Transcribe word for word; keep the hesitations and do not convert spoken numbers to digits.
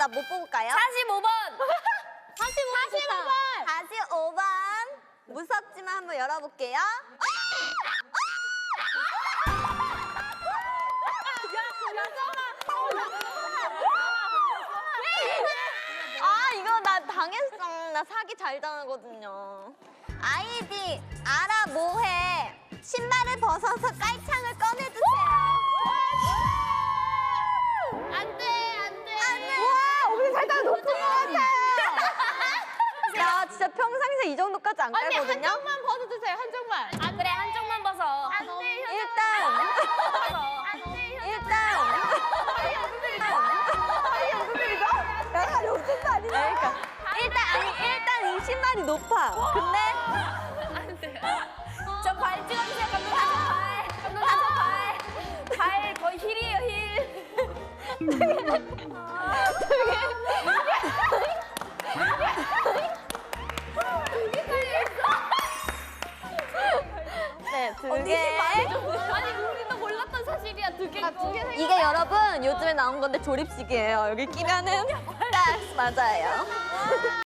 나 못 뽑을까요? 사십오 번. 사십오 번. 사십오 번. 무섭지만 한번 열어볼게요. 아, 이거 나 당했어. 나 사기 잘 당하거든요. 아이디 알아 뭐해. 신발을 벗어서 깔창을 꺼내주세요. 안 돼, 안 돼. 안 돼. 와, 우리 살짝 높은 것 같아요. 야, 진짜 평상시에 이 정도까지 안 언니 깔거든요. 한쪽만 벗어주세요, 한쪽만. 아 그래, 한쪽만 벗어. 안 돼, 일단 일단 내가 욕심도 아니야. 그러니까 일단 아니 일단 이 신발이 높아. 근데 안 돼. 저 발 찍어주세요, 감독님. 발, 감독님 저 발. 발 거의 힐이에요, 힐. 네, 두 개. 아니 우리도 몰랐던 사실이야, 두 개. 두 개. 이게 여러분 요즘에 나온 건데 조립식이에요. 여기 끼면은 딱 맞아요.